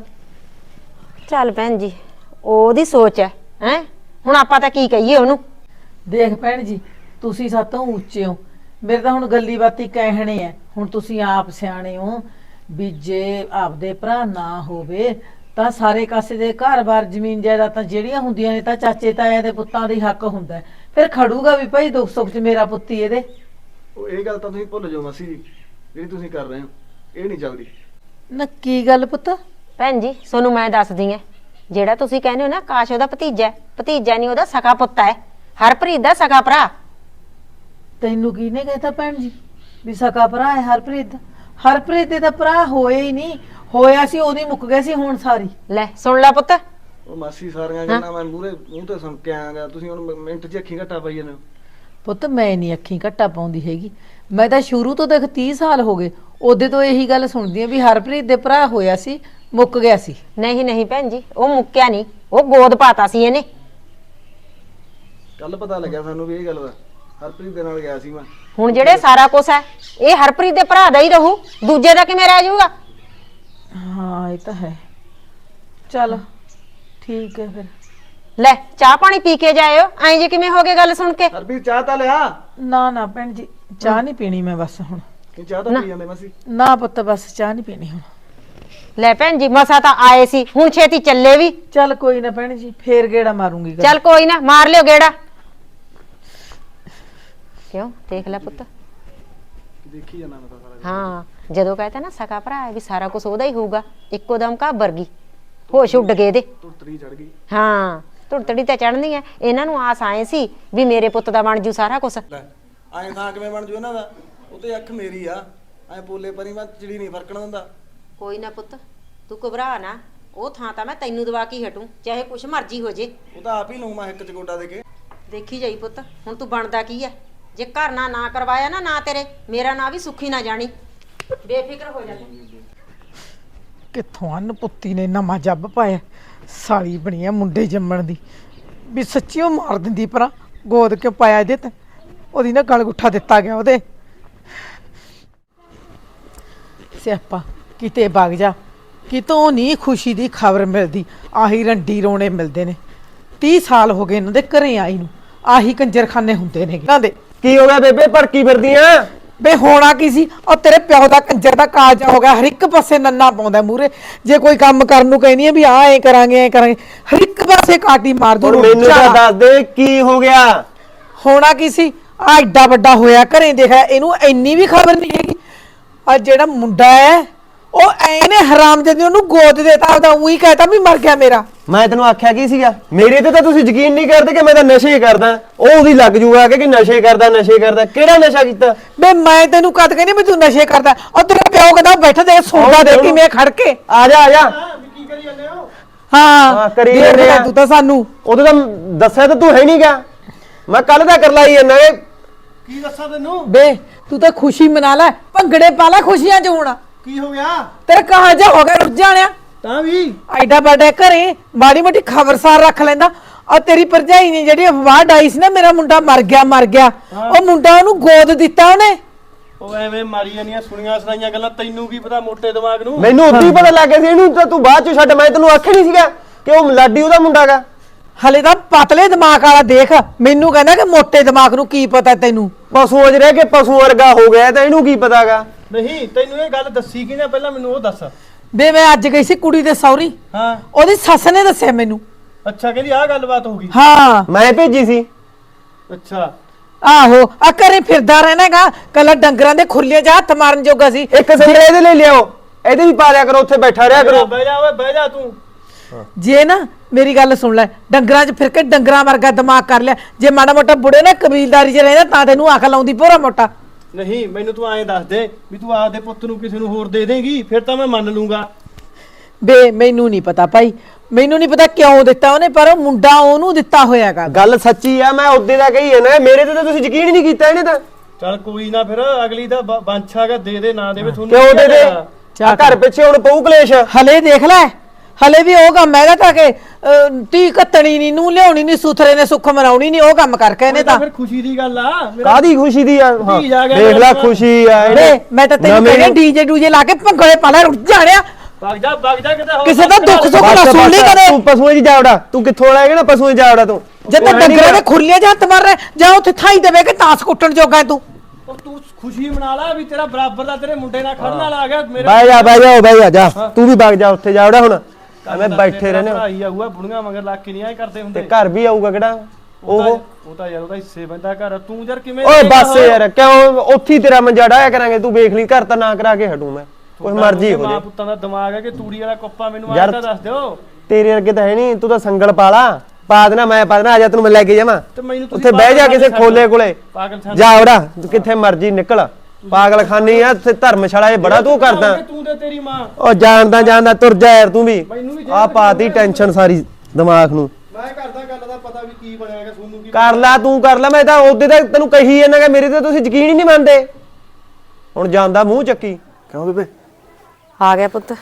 Speaker 3: ਚੱਲ ਭੈਣ ਜੀ ਉਹਦੀ ਸੋਚ ਹੈ। ਹੈ ਹੁਣ ਆਪਾਂ ਤਾਂ ਕੀ ਕਹੀਏ ਉਹਨੂੰ?
Speaker 2: ਦੇਖ ਭੈਣ ਜੀ ਤੁਸੀਂ ਸਾਤੋਂ ਉੱਚੇ ਹੋ, ਮੇਰੇ ਤਾਂ ਹੁਣ ਗੱਲੀ ਬਾਤੀ ਕਹਿਣੇ ਆ। ਹੁਣ ਤੁਸੀਂ ਆਪ ਸਿਆਣੇ ਹੋ ਵੀ ਜੇ ਆਪਦੇ ਭਰਾ ਨਾ ਹੋਵੇ ਤਾਂ ਸਾਰੇ ਕਾਸੇ ਦੇ ਘਰ-ਬਾਰ ਜ਼ਮੀਨ ਜਾਇਦਾਦਾਂ ਜਿਹੜੀਆਂ ਹੁੰਦੀਆਂ ਨੇ ਤਾਂ ਚਾਚੇ ਤਾਇਆਂ ਦੇ ਪੁੱਤਾਂ ਦੇ ਹੱਕ ਹੁੰਦਾ। ਫਿਰ ਖੜੂਗਾ ਵੀ ਭਾਈ ਦੁੱਖ ਸੁੱਖ 'ਚ ਮੇਰਾ ਪੁੱਤ ਹੀ ਇਹਦੇ।
Speaker 6: ਉਹ ਇਹ ਗੱਲ ਤਾਂ ਤੁਸੀਂ ਭੁੱਲ ਜਾਓ ਮਾਸੀ ਜੀ, ਜਿਹੜੀ ਤੁਸੀਂ ਕਰ ਰਹੇ ਹੋ ਇਹ ਨਹੀਂ ਚੱਲਦੀ।
Speaker 2: ਨਾ ਕੀ ਗੱਲ ਪੁੱਤ?
Speaker 3: ਭੈਣ ਜੀ ਤੁਹਾਨੂੰ ਮੈਂ ਦੱਸਦੀ ਐ, ਜਿਹੜਾ ਤੁਸੀਂ ਕਹਿੰਦੇ ਹੋ ਨਾ ਕਾਸ਼ ਉਹਦਾ ਭਤੀਜਾ ਹੈ, ਭਤੀਜਾ ਨਹੀਂ ਉਹਦਾ ਸਕਾ ਪੁੱਤ ਹੈ, ਹਰਪ੍ਰੀਤ ਦਾ ਸਕਾ ਭਰਾ।
Speaker 2: ਤੈਨੂੰ ਕਿਹਨੇ ਕਹਿਤਾ ਭੈਣ ਜੀ ਵੀ ਸਕਾ ਭਰਾ ਹੈ ਹਰਪ੍ਰੀਤ ਦਾ? ਹਰਪ੍ਰੀਤ ਦੇ ਤਾਂ ਭਰਾ ਹੋਏ ਹੀ ਨਹੀਂ, ਹੋਇਆ ਸੀ ਉਹਦੀ ਮੁੱਕ ਗਿਆ ਸੀ ਹੁਣ ਸਾਰੀ।
Speaker 3: ਲੈ ਸੁਣ ਲੈ ਪੁੱਤ,
Speaker 6: ਉਹ ਮਾਸੀ ਸਾਰੀਆਂ ਗੱਲਾਂ ਮੈਂ ਮੂਰੇ ਮੂੰਹ ਤੇ ਸੁਣ ਕੇ ਆਇਆਗਾ, ਤੁਸੀਂ ਹੁਣ ਮਿੰਟ 'ਚ ਅੱਖੀਂ ਘੱਟਾ ਪਾਈ ਜਾਂਦੇ ਹੋ।
Speaker 2: ਪੁੱਤ ਮੈਂ ਨਹੀਂ ਅੱਖੀਂ ਘੱਟਾ ਪਾਉਂਦੀ ਹੈਗੀ, ਮੈਂ ਤਾਂ ਸ਼ੁਰੂ ਤੋਂ ਦੇਖ ਤੀਹ ਸਾਲ ਹੋ ਗਏ ਉਹਦੇ ਤੋਂ ਇਹੀ ਗੱਲ ਸੁਣਦੀ ਆ ਵੀ ਹਰਪ੍ਰੀਤ ਦੇ ਭਰਾ ਹੋਇਆ ਸੀ ਮੁੱਕ ਗਿਆ ਸੀ।
Speaker 3: ਨਹੀਂ ਨਹੀਂ ਭੈਣ ਜੀ, ਉਹ ਮੁੱਕਿਆ ਨਹੀਂ, ਉਹ ਗੋਦ ਪਾਤਾ ਸੀ ਇਹਨੇ।
Speaker 6: ਕੱਲ ਪਤਾ ਲੱਗਿਆ ਸਾਨੂੰ ਵੀ ਇਹ ਗੱਲ ਦਾ, ਹਰਪ੍ਰੀਤ ਦੇ ਨਾਲ ਗਿਆ ਸੀ ਮੈਂ।
Speaker 3: ਹੁਣ ਜਿਹੜੇ ਸਾਰਾ ਕੁਝ ਹੈ ਇਹ ਹਰਪ੍ਰੀਤ ਦੇ ਭਰਾ ਦਾ ਹੀ ਰਹੂ, ਦੂਜੇ ਦਾ ਕਿਵੇਂ ਰਹਿ ਜਾਊਗਾ?
Speaker 2: ਹਾਂ ਇਹ ਤਾਂ ਹੈ, ਚੱਲ ਠੀਕ ਹੈ ਫਿਰ।
Speaker 3: ਲੈ ਚਾਹ ਪਾਣੀ ਪੀ ਕੇ ਜਾਇਓ, ਐਂ ਜੇ ਕਿਵੇਂ ਹੋ ਗਏ ਗੱਲ ਸੁਣ ਕੇ?
Speaker 6: ਹਰਪ੍ਰੀਤ ਚਾਹ ਤਾਂ ਲਿਆ।
Speaker 2: ਨਾ ਨਾ ਭੈਣ ਜੀ ਚਾਹ ਨਹੀਂ ਪੀਣੀ ਮੈਂ ਬਸ ਹੁਣ।
Speaker 6: ਕਿ ਚਾਹ ਤਾਂ ਪੀ ਜਾਂਦੇ ਮਾਸੀ।
Speaker 2: ਨਾ ਪੁੱਤ ਬਸ ਚਾਹ ਨਹੀਂ ਪੀਣੀ ਹੁਣ।
Speaker 3: ਲੈ ਭੈਣ ਜੀ ਮਸਾ ਤਾਂ ਆਏ ਸੀ, ਹੁਣ ਛੇਤੀ ਚੱਲੇ ਵੀ।
Speaker 2: ਚੱਲ ਕੋਈ ਨਾ ਭੈਣ ਜੀ ਫੇਰ ਗੇੜਾ ਮਾਰੂੰਗੀ।
Speaker 3: ਚੱਲ ਕੋਈ ਨਾ ਮਾਰ ਲਿਓ ਗੇੜਾ। ਕਿਉਂ ਦੇਖ ਲੈ ਪੁੱਤ,
Speaker 6: ਦੇਖੀ ਜਾਣਾ ਮੈਂ ਤਾਂ ਸਾਰਾ।
Speaker 3: ਹਾਂ ਜਦੋਂ ਕਹਤਾ ਨਾ ਸਕਾ ਭਰਾ ਹੈ ਵੀ ਸਾਰਾ ਕੁਝ ਉਹਦਾ ਹੀ ਹੋਊਗਾ, ਇੱਕੋ ਦਮ ਘਾਬਰ ਗਈ, ਹੋਸ਼ ਉੱਡ ਗਏ ਇਹਦੇ।
Speaker 6: ਤੁਰਤਰੀ ਚੜ ਗਈ।
Speaker 3: ਹਾਂ ਧੁਰਤੜੀ ਤਾਂ ਚੜਨੀ ਹੈ, ਇਹਨਾਂ ਨੂੰ ਆਸ ਆਏ ਸੀ ਵੀ ਮੇਰੇ ਪੁੱਤ ਦਾ ਬਣ ਜੂ ਸਾਰਾ ਕੁਝ।
Speaker 6: ਲੈ ਐਂ ਥਾਂ ਕਿਵੇਂ ਬਣ ਜੂ ਇਹਨਾਂ ਦਾ? ਉਹ ਤੇ ਅੱਖ ਮੇਰੀ ਆ, ਐਂ ਬੋਲੇ ਪਰੀ ਮੈਂ ਚਿੜੀ ਨਹੀਂ ਫਰਕਣ ਦਿੰਦਾ।
Speaker 3: ਕੋਈ ਨਾ ਪੁੱਤ ਤੂੰ ਘਬਰਾ ਨਾ, ਉਹ ਥਾਂ ਤਾਂ ਮੈਂ ਤੈਨੂੰ ਦਵਾ ਕੇ ਹਟੂ, ਚਾਹੇ ਕੁਛ ਮਰਜ਼ੀ ਹੋ ਜੇ।
Speaker 6: ਉਹ ਤਾਂ ਆਪ ਹੀ ਲਊ ਮੈਂ ਇੱਕ ਚ ਗੋਡਾ ਦੇ ਕੇ।
Speaker 3: ਦੇਖੀ ਜਾਈ ਪੁੱਤ, ਹੁਣ ਤੂੰ ਬਣਦਾ ਕੀ ਹੈ? ਜੇ ਘਰ ਨਾ ਨਾ ਕਰਵਾਇਆ ਨਾ ਨਾ ਤੇਰੇ, ਮੇਰਾ ਨਾਂ ਵੀ ਸੁੱਖੀ ਨਾ ਜਾਣੀ, ਬੇਫਿਕਰ ਹੋ ਜਾ ਤੂੰ।
Speaker 4: ਕਿੱਥੋਂ ਅੰਨ ਪੁੱਤੀ ਨੇ ਨਵਾਂ ਜੱਬ ਪਾਇਆ, ਸਾਲੀ ਬਣੀ ਆ ਮੁੰਡੇ ਜੰਮਣ ਦੀ, ਵੀ ਸੱਚੀ ਉਹ ਮਾਰ ਦਿੰਦੀ ਪਰਾਂ ਗੋਦ ਕਿਉਂ ਪਾਇਆ ਇਹਦੇ ਤੇ, ਉਹਦੀ ਨਾ ਗਲ ਗੁੱਠਾ ਦਿੱਤਾ ਗਿਆ ਉਹਦੇ। ਸਿਆਪਾ ਕਿਤੇ ਵਗ ਜਾ, ਕਿਤੋਂ ਨਹੀਂ ਖੁਸ਼ੀ ਦੀ ਖਬਰ ਮਿਲਦੀ, ਆਹੀ ਰੰਡੀ ਰੋਣੇ ਮਿਲਦੇ ਨੇ। ਤੀਹ ਸਾਲ ਹੋ ਗਏ ਇਹਨਾਂ ਦੇ ਘਰੇ ਆਈ ਨੂੰ, ਆਹੀ ਕੰਜਰਖਾਨੇ ਹੁੰਦੇ ਨੇ ਇਹਨਾਂ ਦੇ।
Speaker 5: ਕੀ ਹੋ ਗਿਆ ਬੇਬੇ, ਭੜਕੀ ਫਿਰਦੀ ਆ?
Speaker 4: ਬੇ ਹੋਣਾ ਕੀ ਸੀ, ਉਹ ਤੇਰੇ ਪਿਓ ਦਾ ਕੰਜਰ ਦਾ ਕਾਲਜਾ ਹੋ ਗਿਆ, ਹਰ ਇੱਕ ਪਾਸੇ ਨੰਨਾ ਪਾਉਂਦਾ ਮੂਰੇ। ਜੇ ਕੋਈ ਕੰਮ ਕਰਨ ਨੂੰ ਕਹਿੰਦੀ ਆ ਵੀ ਆ ਐ ਕਰਾਂਗੇ ਐ ਕਰਾਂਗੇ, ਹਰ ਇੱਕ ਪਾਸੇ ਕਾਟੀ ਮਾਰ ਦੂ।
Speaker 5: ਹੁਣ ਮੈਨੂੰ ਤਾਂ ਦੱਸ ਦੇ ਕੀ ਹੋ ਗਿਆ?
Speaker 4: ਹੋਣਾ ਕੀ ਸੀ, ਆ ਐਡਾ ਵੱਡਾ ਹੋਇਆ ਘਰੇ ਦੇਖਿਆ, ਇਹਨੂੰ ਇੰਨੀ ਵੀ ਖਬਰ ਨਹੀਂ ਹੈਗੀ। ਆ ਜਿਹੜਾ ਮੁੰਡਾ ਹੈ ਉਹ ਐ ਨੇ ਹਰਾਮਜਾਦੀ ਉਹਨੂੰ ਗੋਦ ਦੇਤਾ, ਆਪਦਾ ਉਹੀ ਕਹਿਤਾ ਵੀ ਮਰ ਗਿਆ ਮੇਰਾ।
Speaker 5: ਮੈਂ ਤੈਨੂੰ ਆਖਿਆ ਕੀ ਸੀਗਾ? ਮੇਰੇ ਤੇ ਤਾਂ ਤੁਸੀਂ ਯਕੀਨ ਨਹੀਂ ਕਰਦੇ ਕਿ ਮੈਂ ਤਾਂ ਨਸ਼ੇ ਕਰਦਾ। ਉਹ ਉਹਦੀ ਲੱਗ ਜੂਗਾ ਕਿ ਨਸ਼ੇ ਕਰਦਾ ਨਸ਼ੇ ਕਰਦਾ। ਕਿਹੜਾ ਨਸ਼ਾ ਕੀਤਾ?
Speaker 4: ਬੇ ਮੈਂ ਤੈਨੂੰ ਕਦ ਕਹਿੰਦੀ ਵੀ ਤੂੰ ਨਸ਼ੇ ਕਰਦਾ, ਉਹ ਤੇਰਾ ਪਿਓ ਕਹਿੰਦਾ ਬੈਠਾ ਦੇ ਸੌਦਾ ਦੇ ਕਿਵੇਂ ਖੜ ਕੇ।
Speaker 5: ਆ ਜਾ ਆ ਜਾ।
Speaker 6: ਕੀ ਕਰੀ ਜਾਂਦੇ ਹੋ?
Speaker 4: ਹਾਂ
Speaker 5: ਹਾਂ, ਕਰੀ
Speaker 4: ਦੇਖ
Speaker 5: ਜਾਂਦੇ
Speaker 4: ਲੈ
Speaker 5: ਆ।
Speaker 4: ਤੂੰ ਤਾਂ ਸਾਨੂੰ
Speaker 5: ਉਦੋਂ ਤਾਂ ਦੱਸਿਆ ਤਾਂ ਤੂੰ ਹੈ ਨਹੀਂ ਗਾ, ਮੈਂ ਕੱਲ ਦਾ ਕਰ ਲਾਈ ਜਾਂਦਾ।
Speaker 6: ਕੀ ਦੱਸਾਂ ਤੈਨੂੰ?
Speaker 4: ਬੇ ਤੂੰ ਤਾਂ ਖੁਸ਼ੀ ਮਨਾ ਲੈ, ਭੰਗੜੇ ਪਾ ਲੈ ਖੁਸ਼ੀਆਂ ਚ ਹੁਣ।
Speaker 6: ਕੀ ਹੋ ਗਿਆ?
Speaker 4: ਤੇਰਾ ਕਹਾਂ ਜਾ ਹੋ ਗਿਆ ਰੁੱਝ ਜਾਣਿਆ,
Speaker 6: ਤਾਂ ਵੀ
Speaker 4: ਐਡਾ ਵੱਡਾ ਘਰੇ ਮਾੜੀ ਮੋਟੀ ਖਬਰਸਾਰ ਰੱਖ ਲੈਂਦਾ। ਆ ਤੇਰੀ ਭਰਜਾਈ ਨੇ ਜਿਹੜੀ ਅਫਵਾਹ ਡਾਈ ਸੀ ਨਾ ਮੇਰਾ ਮੁੰਡਾ ਮਰ ਗਿਆ ਮਰ ਗਿਆ, ਉਹ ਮੁੰਡਾ ਉਹਨੂੰ ਗੋਦ ਦਿੱਤਾ ਉਹਨੇ।
Speaker 6: ਉਹ ਐਵੇਂ ਮਾਰੀ ਜਾਂਦੀਆਂ ਸੁਣੀਆਂ ਸੁਣਾਈਆਂ ਗੱਲਾਂ, ਤੈਨੂੰ ਕੀ ਪਤਾ ਮੋਟੇ ਦਿਮਾਗ ਨੂੰ?
Speaker 5: ਮੈਨੂੰ ਉਦੋਂ ਹੀ ਪਤਾ ਲੱਗ ਗਿਆ ਸੀ, ਇਹਨੂੰ ਤਾਂ ਤੂੰ ਬਾਅਦ ਚ ਛੱਡ। ਮੈਂ ਤੈਨੂੰ ਆਖਿਆ ਨਹੀਂ ਸੀਗਾ ਕਿ ਉਹ ਲਾਡੀ ਉਹਦਾ ਮੁੰਡਾ ਗਾ?
Speaker 4: ਹਲੇ ਤਾਂ ਪਤਲੇ ਦਿਮਾਗ ਵਾਲਾ ਦੇਖ, ਮੈਨੂੰ ਕਹਿੰਦਾ ਕਿ ਮੋਟੇ ਦਿਮਾਗ ਨੂੰ ਕੀ ਪਤਾ ਤੈਨੂੰ।
Speaker 5: ਪਸ਼ੂਆਂ 'ਚ ਰਹਿ ਕੇ ਪਸ਼ੂ ਵਰਗਾ ਹੋ ਗਿਆ ਤਾਂ ਇਹਨੂੰ ਕੀ ਪਤਾਗਾ?
Speaker 6: ਨਹੀਂ ਤੈਨੂੰ ਇਹ ਗੱਲ ਦੱਸੀ ਕਿਹਨੇ ਪਹਿਲਾਂ, ਮੈਨੂੰ ਉਹ ਦੱਸ।
Speaker 4: ਬੇ ਮੈਂ ਅੱਜ ਗਈ ਸੀ ਕੁੜੀ ਦੇ ਸਹੁਰੀ,
Speaker 6: ਹਾਂ
Speaker 4: ਉਹਦੀ ਸੱਸ ਨੇ ਦੱਸਿਆ ਮੈਨੂੰ।
Speaker 6: ਅੱਛਾ, ਕਹਿੰਦੀ ਆਹ ਗੱਲਬਾਤ ਹੋ ਗਈ।
Speaker 4: ਹਾਂ
Speaker 5: ਮੈਂ ਭੇਜੀ ਸੀ।
Speaker 6: ਅੱਛਾ
Speaker 4: ਆਹੋ ਆ ਘਰੇ ਫਿਰਦਾ ਰਹਿਣਾਗਾ, ਕੱਲਾ ਡੰਗਰਾਂ ਦੇ ਖੁਰਲੀਆਂ 'ਚ ਹੱਥ ਮਾਰਨ ਜੋਗਾ ਸੀ।
Speaker 5: ਇੱਕ ਸੰਗਰੇ ਇਹਦੇ ਲਈ ਲਿਆਓ, ਇਹਦੇ ਵੀ ਪਾ ਲਿਆ ਕਰੋ, ਉੱਥੇ ਬੈਠਾ ਰਿਹਾ ਕਰੋ।
Speaker 6: ਬਹਿ ਜਾ ਓਏ ਬਹਿ ਜਾ ਤੂੰ।
Speaker 4: ਜੇ ਨਾ ਮੇਰੀ ਗੱਲ ਸੁਣ ਲੈ, ਡੰਗਰਾਂ 'ਚ ਫਿਰ ਕੇ ਡੰਗਰਾਂ ਵਰਗਾ ਦਿਮਾਗ ਕਰ ਲਿਆ। ਜੇ ਮਾੜਾ ਮੋਟਾ ਬੁੜੇ ਨਾ ਕਬੀਲਦਾਰੀ 'ਚ ਰਹਿੰਦਾ ਤਾਂ ਤੈਨੂੰ ਅਕਲ ਆਉਂਦੀ ਭੋਰਾ ਮੋਟਾ।
Speaker 6: ਨਹੀਂ ਮੈਨੂੰ ਤੂੰ ਐਂ ਦੱਸ ਦੇ ਵੀ ਤੂੰ ਆਪਦੇ ਪੁੱਤ ਨੂੰ ਕਿਸੇ ਨੂੰ ਹੋਰ ਦੇ ਦੇਂਗੀ, ਫਿਰ ਤਾਂ ਮੈਂ ਮੰਨ ਲੂੰਗਾ।
Speaker 4: ਬੇ ਮੈਨੂੰ ਨਹੀਂ ਪਤਾ ਭਾਈ, ਮੈਨੂੰ ਨਹੀਂ ਪਤਾ ਕਿਉਂ ਦਿੱਤਾ ਉਹਨੇ, ਪਰ ਉਹ ਮੁੰਡਾ ਉਹਨੂੰ ਦਿੱਤਾ ਹੋਇਆਗਾ।
Speaker 5: ਗੱਲ ਸੱਚੀ ਆ, ਮੈਂ ਉਹਦੇ ਦਾ ਕਹੀ ਹੈ ਨਾ, ਮੇਰੇ ਤੇ ਤਾਂ ਤੁਸੀਂ ਯਕੀਨ ਹੀ ਨਹੀਂ ਕੀਤਾ ਇਹਨੇ ਤਾਂ।
Speaker 6: ਚੱਲ ਕੋਈ ਨਾ, ਫਿਰ ਅਗਲੀ ਦਾ ਬਾਂਛਾਗਾ ਦੇ ਦੇ ਨਾ ਦੇਵੇ ਤੁਹਾਨੂੰ
Speaker 5: ਕਿਉਂ ਦੇ ਦੇ?
Speaker 4: ਚੱਲ।
Speaker 5: ਘਰ ਪਿੱਛੇ ਹੁਣ ਪਊ ਕਲੇਸ਼।
Speaker 4: ਹਲੇ ਦੇਖ ਲੈ, ਹਲੇ ਵੀ ਉਹ ਕੰਮ ਹੈਗਾ ਤਾਂ ਕਿ ਤੀ ਕੱਤਣੀ ਨਹੀਂ, ਨੂੰ ਲਿਆਉਣੀ ਨਹੀਂ, ਸੁਥਰੇ ਨੇ ਸੁੱਖ ਮਨਾਉਣੀ ਨਹੀਂ, ਉਹ ਕੰਮ ਕਰਕੇ ਇਹਨੇ ਤਾਂ।
Speaker 6: ਫਿਰ ਖੁਸ਼ੀ ਦੀ ਗੱਲ ਆ।
Speaker 5: ਕਾਦੀ ਖੁਸ਼ੀ ਦੀ ਆ? ਹਾਂ,
Speaker 6: ਧੀ ਆ ਗਿਆ
Speaker 5: ਦੇਖ ਲੈ
Speaker 6: ਮੇਰਾ।
Speaker 5: ਖੁਸ਼ੀ ਆ
Speaker 4: ਬੇ
Speaker 5: ਇਹਨੇ।
Speaker 4: ਮੈਂ ਤਾਂ ਤੈਨੂੰ
Speaker 5: ਨਵੇਂ-
Speaker 4: ਕਹਿੰਦਾ ਡੀਜੇ ਡੂਜੇ ਲਾ ਕੇ ਭੰਗੜੇ ਪਾ ਲੈ, ਰੁੱਝ ਜਾਣਿਆ।
Speaker 6: ਵਗ ਜਾ ਵਗ ਜਾ ਕਿਤੇ ਹੋਰ।
Speaker 4: ਕਿਸੇ ਦਾ ਦੁੱਖ ਸੁੱਖ ਨਾ
Speaker 5: ਬਸ,
Speaker 4: ਸੁਣ ਲਈ
Speaker 5: ਬਸ,
Speaker 4: ਕਦੇ।
Speaker 5: ਤੂੰ ਪਸ਼ੂਆਂ 'ਚ ਜਾਵੜਾ, ਤੂੰ ਕਿੱਥੋਂ ਆਏਗਾ ਨਾ ਪਸ਼ੂਆਂ 'ਚ ਜਾਵੜਾ ਤੂੰ।
Speaker 4: ਜੇ ਤਾਂ ਡੰਗਰਾਂ ਦੇ ਖੁਰਲੀਆਂ 'ਚ ਹੱਥ ਮਾਰ ਰਿਹਾ, ਜਾਂ ਉੱਥੇ ਥਾਈ ਦੇਵੇ ਕਿ ਤਾਸ ਕੁੱਟਣ ਜੋਗਾ ਤੂੰ।
Speaker 6: ਉਹ ਤੂੰ ਖੁਸ਼ੀ ਮਨਾ ਲੈ ਵੀ ਤੇਰਾ ਬਰਾਬਰ ਦਾ ਤੇਰੇ ਮੁੰਡੇ ਨਾਲ ਖੜਨ ਵਾਲਾ ਆ ਗਿਆ। ਮੇਰੇ
Speaker 5: ਬਹਿ ਜਾ ਬਹਿ ਜਾ ਬਹਿ ਜਾ, ਜਾ ਤੂੰ ਵੀ ਵਗ ਜਾ, ਉੱਥੇ ਜਾਵੜਾ ਹੁਣ। ਐਵੇਂ ਬੈਠੇ ਰਹਿੰਦੇ ਹੋ।
Speaker 6: ਭਾਈ ਆਊਗਾ ਬੁੜੀਆਂ ਮਗਰ ਲੱਗ ਕੇ ਨਹੀਂ ਆਏ ਕਰਦੇ
Speaker 5: ਤੇ
Speaker 6: ਹੁੰਦੇ।
Speaker 5: ਘਰ ਵੀ ਆਊਗਾ ਕਿਹੜਾ ਉਹ?
Speaker 6: ਉਹ ਤਾਂ ਯਾਰ ਉਹਦਾ ਹਿੱਸੇ ਬੰਦਾ ਘਰ, ਤੂੰ ਯਾਰ ਕਿਵੇਂ?
Speaker 5: ਓਏ ਬਸ ਯਾਰ, ਕਿਉਂ ਉੱਥੇ ਹੀ ਤੇਰਾ ਮੰਜਾ ਡਾਇਆ ਕਰਾਂਗੇ। ਤੂੰ ਵੇਖ ਲਈ, ਘਰ ਤਾਂ ਨਾ ਕਰਾ ਕੇ ਹਟੂ ਮੈਂ, ਕੋਈ ਮਰਜ਼ੀ ਹੋ
Speaker 6: ਮਾਂ
Speaker 5: ਜੇ।
Speaker 6: ਪੁੱਤਾਂ ਦਾ ਦਿਮਾਗ ਹੈ ਕਿ ਤੂੜੀ ਵਾਲਾ ਕੁੱਪਾ ਮੈਨੂੰ
Speaker 5: ਯਾਰ-
Speaker 6: ਆਇਆ ਤਾਂ ਦੱਸ ਦਿਓ।
Speaker 5: ਤੇਰੇ ਅੱਗੇ ਤਾਂ ਹੈ ਨਹੀਂ, ਤੂੰ ਤਾਂ ਸੰਗਲ ਪਾ ਲਾ, ਪਾ ਦੇਣਾ ਮੈਂ ਪਾ ਦੇਣਾ, ਆ ਜਾ ਤੈਨੂੰ ਮੈਂ ਲੈ ਕੇ ਜਾਵਾਂ ਉੱਥੇ ਬਹਿ ਜਾ ਕਿਸੇ ਖੋਲੇ ਕੋਲੇ, ਜਾ ਉਹਦਾ ਕਿੱਥੇ ਮਰਜੀ ਨਿਕਲ, ਪਾਗਲ ਖਾਨੀ ਆ ਤੇ ਧਰਮਸ਼ਾਲਾ ਇਹ ਬੜਾ ਤੂੰ ਕਰਦਾ।
Speaker 7: ਤੂੰ ਤੇ ਤੇਰੀ ਮਾਂ
Speaker 5: ਉਹ ਜਾਣਦਾ ਜਾਣਦਾ ਤੁਰ ਜਾ ਯਾਰ ਤੂੰ ਵੀ, ਆ ਪਾਤੀ ਟੈਨਸ਼ਨ ਸਾਰੀ ਦਿਮਾਗ ਨੂੰ।
Speaker 7: ਮੈਂ ਕਰਦਾ ਗੱਲ ਦਾ ਪਤਾ ਵੀ ਕੀ ਬਣਿਆਗਾ, ਸੋਨੂੰ ਕੀ
Speaker 5: ਕਰ ਲੈ ਤੂੰ ਕਰ ਲੈ, ਮੈਂ ਤਾਂ ਉਹਦੇ ਤਾਂ ਤੈਨੂੰ ਕਹੀ ਜਾਂਦਾ ਕਿ ਮੇਰੇ ਤੇ ਤੁਸੀਂ ਯਕੀਨ ਹੀ ਨਹੀਂ ਮੰਨਦੇ। ਹੁਣ ਜਾਂਦਾ ਮੂੰਹ ਚੱਕੀ।
Speaker 6: ਕਿਉਂ ਬੇਬੇ
Speaker 3: ਆ ਗਿਆ ਪੁੱਤ,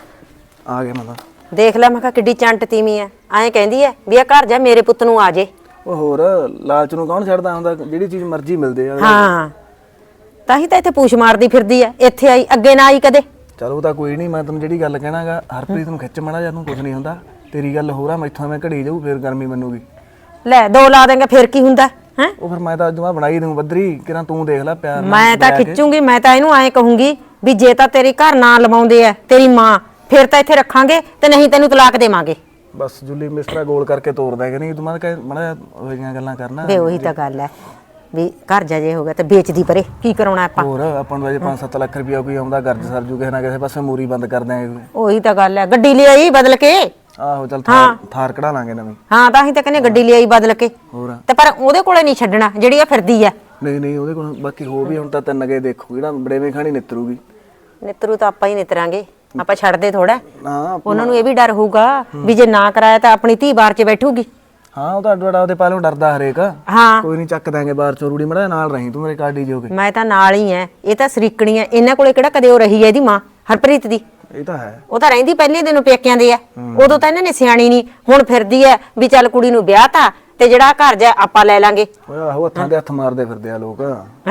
Speaker 6: ਆ ਗਿਆ ਮੈਂ
Speaker 3: ਦੇਖ ਲੈ ਮੈਂ ਕਿਹਾ ਕਿੱਡੀ ਚੰਟ ਤੀਵੀਂ ਐ, ਐਂ ਕਹਿੰਦੀ ਐ ਵੀ ਆ ਘਰ ਜਾ ਮੇਰੇ ਪੁੱਤ ਨੂੰ ਆ ਜੇ।
Speaker 6: ਉਹ ਹੋਰ ਲਾਲਚ ਨੂੰ ਕੌਣ ਛੱਡਦਾ ਹੁੰਦਾ, ਜਿਹੜੀ ਚੀਜ਼ ਮਰਜ਼ੀ ਮਿਲਦੇ ਆ।
Speaker 3: ਹਾਂ ਤਾਂ ਹੀ ਤਾਂ ਇੱਥੇ ਪੂਛ ਮਾਰਦੀ ਫਿਰਦੀ ਐ, ਇੱਥੇ ਆਈ ਅੱਗੇ ਨਾ ਆਈ ਕਦੇ।
Speaker 6: ਚਲੋ ਤਾਂ ਕੋਈ ਨਹੀਂ, ਮੈਂ ਤੈਨੂੰ ਜਿਹੜੀ ਗੱਲ ਕਹਿਣਾਗਾ ਹਰਪ੍ਰੀਤ ਨੂੰ ਖਿੱਚ ਮੜਾ, ਜਾਂ ਤੂੰ ਕੁਝ ਨਹੀਂ ਹੁੰਦਾ। ਤੇਰੀ ਗੱਲ ਹੋਰ ਆ, ਮੈਥੋਂ ਮੈਂ ਘੜੀ ਜਾਊ ਫੇਰ ਗਰਮੀ ਮੰਨੂਗੀ।
Speaker 3: ਲੈ ਦੋ ਲਾ ਦੇਂਗੇ ਫਿਰ ਕੀ ਹੁੰਦਾ ਹੈ।
Speaker 6: ਉਹ ਫਿਰ ਮੈਂ ਤਾਂ ਅੱਜ ਮੈਂ ਬਣਾਈ ਦੂੰ ਬੱਦਰੀ, ਕਿਰਾਂ ਤੂੰ ਦੇਖ ਲੈ ਪਿਆਰ ਨਾਲ
Speaker 3: ਮੈਂ ਤਾਂ
Speaker 6: ਬੁਲਾ ਕੇ।
Speaker 3: ਖਿੱਚੂਗੀ, ਮੈਂ ਤਾਂ ਇਹਨੂੰ ਐਂ ਕਹੂੰਗੀ ਵੀ ਜੇ ਤਾਂ ਤੇਰੇ ਘਰ ਨਾ ਲਵਾਉਂਦੇ ਐ ਤੇਰੀ ਮਾਂ, ਫਿਰ ਤਾਂ ਇੱਥੇ ਰੱਖਾਂਗੇ ਤੇ ਨਹੀਂ ਤੈਨੂੰ ਤਲਾਕ ਦੇਵਾਂਗੇ।
Speaker 6: ਬਸ ਜੁੱਲੀ ਮਿਸਟਰਾ ਗੋਲ ਕਰਕੇ ਤੋੜ ਦੇਗਾ, ਨਹੀਂ ਤੂੰ ਮੈਂ ਕਹੇ ਮੜਾ ਉਹ ਜਿਹੀਆਂ ਗੱਲਾਂ ਕਰਨਾ।
Speaker 3: ਵੇ ਉਹੀ ਤਾਂ ਗੱਲ ਐ ਵੀ ਘਰ ਜਾ ਜੇ ਹੋ ਗਿਆ ਤੇ ਵੇਚਦੀ ਪਰੇ, ਕੀ ਕਰਾਉਣਾ ਆਪਾਂ।
Speaker 6: ਹੋਰ ਆਪਾਂ ਨੂੰ ਅਜੇ ਪੰਜ ਸੱਤ ਲੱਖ ਰੁਪਇਆ ਕੋਈ ਆਉਂਦਾ, ਗਰਜ ਸਰਜੂ ਕਿਸੇ ਨਾ ਕਿਸੇ ਪਾਸੇ ਮੂਰੀ ਬੰਦ ਕਰ ਦਿਆਂਗੇ।
Speaker 3: ਉਹੀ ਤਾਂ ਗੱਲ ਐ, ਗੱਡੀ ਲਿਆਈ ਬਦਲ ਕੇ।
Speaker 6: ਆਹੋ ਚੱਲ ਥਾਰ ਥਾਰ ਕਢਾ ਲਾਂਗੇ ਨਵੀਂ।
Speaker 3: ਹਾਂ ਤਾਂ ਹੀ ਤਾਂ ਕਹਿੰਦੇ ਗੱਡੀ ਲਿਆਈ ਬਦਲ ਕੇ।
Speaker 6: ਹੋਰ
Speaker 3: ਤੇ ਪਰ ਉਹਦੇ ਕੋਲੇ ਨਹੀਂ ਛੱਡਣਾ ਜਿਹੜੀ ਆ ਫਿਰਦੀ ਐ।
Speaker 6: ਨਹੀਂ ਨਹੀਂ ਉਹਦੇ ਕੋਲ ਬਾਕੀ ਹੋ ਵੀ ਹੁਣ ਤਾਂ ਤਿੰਨ ਗੇ ਦੇਖੂ, ਜਿਹੜਾ ਬੜੇਵੇਂ ਖਾਣੀ ਨਿੱਤਰੂਗੀ।
Speaker 3: ਨਿੱਤਰੂ ਤਾਂ ਆਪਾਂ ਹੀ ਨਿੱਤਰਾਂਗੇ, ਆਪਾਂ ਛੱਡਦੇ ਥੋੜਾ।
Speaker 6: ਹਾਂ
Speaker 3: ਉਹਨਾਂ ਨੂੰ ਇਹ ਵੀ ਡਰ ਹੋਊਗਾ ਵੀ ਜੇ ਨਾ ਕਰਾਇਆ ਤਾਂ ਆਪਣੀ ਧੀ ਬਾਰ 'ਚ ਬੈਠੂਗੀ।
Speaker 6: ਹਾਂ ਉਹ ਤਾਂ ਅੱਡਾ ਉਹਦੇ ਪਾਲੋਂ ਡਰਦਾ ਹਰੇਕ।
Speaker 3: ਹਾਂ
Speaker 6: ਕੋਈ ਨਹੀਂ ਚੱਕ ਦਾਂਗੇ ਬਾਹਰ ਚੋਂ ਰੂੜੀ ਮੜਾ, ਨਾਲ ਰਹੀਂ ਤੂੰ ਮੇਰੇ ਕਾਡੀ ਜੋਗੇ।
Speaker 3: ਮੈਂ ਤਾਂ ਨਾਲ ਹੀ ਐ, ਇਹ ਤਾਂ ਸਰੀਕਣੀ ਐ, ਇਹਨਾਂ ਕੋਲੇ ਕਿਹੜਾ ਕਦੇ ਉਹ ਰਹੀ ਐ ਇਹਦੀ ਮਾਂ ਹਰਪ੍ਰੀਤ ਦੀ।
Speaker 6: ਇਹ ਤਾਂ ਹੈ।
Speaker 3: ਉਹ ਤਾਂ ਰਹਿੰਦੀ ਪਹਿਲੇ ਦਿਨੋਂ ਪੇਕਿਆਂ ਦੇ ਆ, ਉਦੋਂ ਤਾਂ ਇਹਨਾਂ ਨੇ ਸਿਆਣੀ ਨਹੀਂ, ਹੁਣ ਫਿਰਦੀ ਐ ਵੀ ਚੱਲ ਕੁੜੀ ਨੂੰ ਵਿਆਹ ਤਾ ਤੇ ਜਿਹੜਾ ਘਰ ਜਾ ਆਪਾਂ ਲੈ ਲਾਂਗੇ।
Speaker 6: ਓਏ ਆਹੋ ਹੱਥਾਂ ਦੇ ਹੱਥ ਮਾਰਦੇ ਫਿਰਦੇ ਆ ਲੋਕ।